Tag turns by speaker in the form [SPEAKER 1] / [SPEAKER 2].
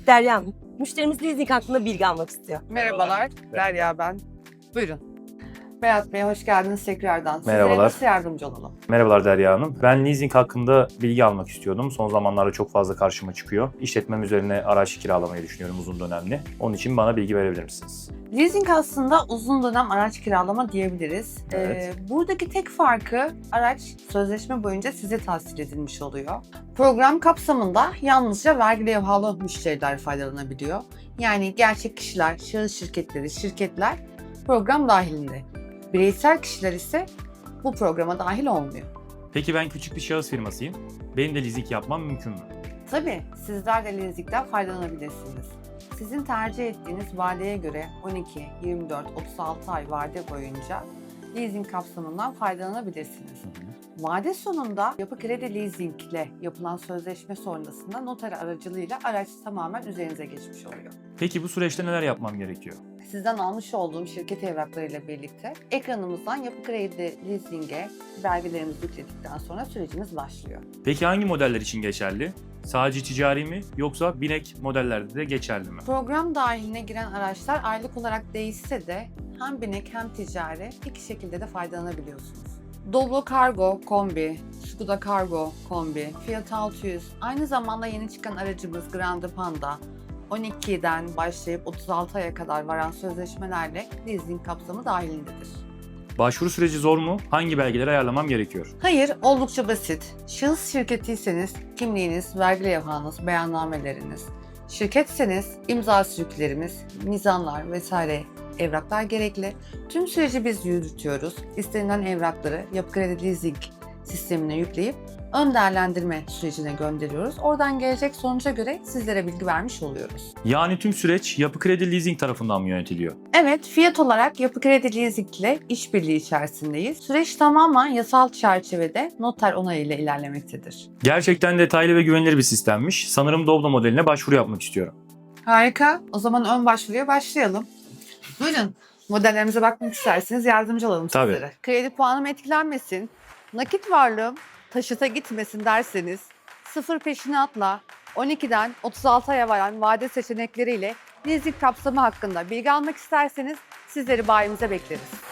[SPEAKER 1] Derya Hanım, müşterimiz leasing hakkında bilgi almak istiyor.
[SPEAKER 2] Merhabalar, Derya ben. Buyurun. Berat Bey, hoş geldiniz tekrardan. Sizlere
[SPEAKER 3] Merhabalar.
[SPEAKER 2] nasıl yardımcı olalım?
[SPEAKER 3] Merhabalar Derya Hanım. Ben leasing hakkında bilgi almak istiyordum. Son zamanlarda çok fazla karşıma çıkıyor. İşletmem üzerine araç kiralamayı düşünüyorum uzun dönemli. Onun için bana bilgi verebilir misiniz?
[SPEAKER 2] Leasing aslında uzun dönem araç kiralama diyebiliriz.
[SPEAKER 3] Evet.
[SPEAKER 2] Buradaki tek farkı araç sözleşme boyunca size tahsil edilmiş oluyor. Program kapsamında yalnızca vergi levhalı müşteriler faydalanabiliyor. Yani gerçek kişiler, şahıs şirketleri, şirketler program dahilinde. Bireysel kişiler ise bu programa dahil olmuyor.
[SPEAKER 3] Peki ben küçük bir şahıs firmasıyım. Benim de leasing yapmam mümkün mü?
[SPEAKER 2] Tabii sizler de leasingden faydalanabilirsiniz. Sizin tercih ettiğiniz vadeye göre 12, 24, 36 ay vade boyunca leasing kapsamından faydalanabilirsiniz. Vade sonunda Yapı Kredi Leasing ile yapılan sözleşme sonrasında noter aracılığıyla araç tamamen üzerinize geçmiş oluyor.
[SPEAKER 3] Peki bu süreçte neler yapmam gerekiyor?
[SPEAKER 2] Sizden almış olduğum şirket evraklarıyla birlikte ekranımızdan Yapı Kredi Leasing'e belgelerimizi yükledikten sonra sürecimiz başlıyor.
[SPEAKER 3] Peki hangi modeller için geçerli? Sadece ticari mi yoksa binek modellerde de geçerli mi?
[SPEAKER 2] Program dahiline giren araçlar aylık olarak değişse de hem binek hem ticari iki şekilde de faydalanabiliyorsunuz. Doblo Cargo Kombi, Skoda Cargo Kombi, Fiat 600, aynı zamanda yeni çıkan aracımız Grande Panda, 12'den başlayıp 36 aya kadar varan sözleşmelerle leasing kapsamı dahilindedir.
[SPEAKER 3] Başvuru süreci zor mu? Hangi belgeleri ayarlamam gerekiyor?
[SPEAKER 2] Hayır, oldukça basit. Şahıs şirketiyseniz kimliğiniz, vergi levhanız, beyannameleriniz. Şirketseniz imza sürüklerimiz, mizanlar vesaire evraklar gerekli. Tüm süreci biz yürütüyoruz. İstenilen evrakları Yapı Kredi Leasing sistemine yükleyip ön değerlendirme sürecine gönderiyoruz. Oradan gelecek sonuca göre sizlere bilgi vermiş oluyoruz.
[SPEAKER 3] Yani tüm süreç Yapı Kredi Leasing tarafından mı yönetiliyor?
[SPEAKER 2] Evet, fiyat olarak Yapı Kredi Leasing ile işbirliği içerisindeyiz. Süreç tamamen yasal çerçevede noter onayıyla ilerlemektedir.
[SPEAKER 3] Gerçekten detaylı ve güvenilir bir sistemmiş. Sanırım Doblo modeline başvuru yapmak istiyorum.
[SPEAKER 2] Harika. O zaman ön başvuruya başlayalım. Buyurun. Modellerimize bakmak isterseniz yardımcı olalım
[SPEAKER 3] Tabii.
[SPEAKER 2] sizlere. Kredi puanım etkilenmesin, nakit varlığım taşıta gitmesin derseniz sıfır peşinatla 12'den 36 aya varan vade seçenekleriyle leasing kapsamı hakkında bilgi almak isterseniz sizleri bayimize bekleriz.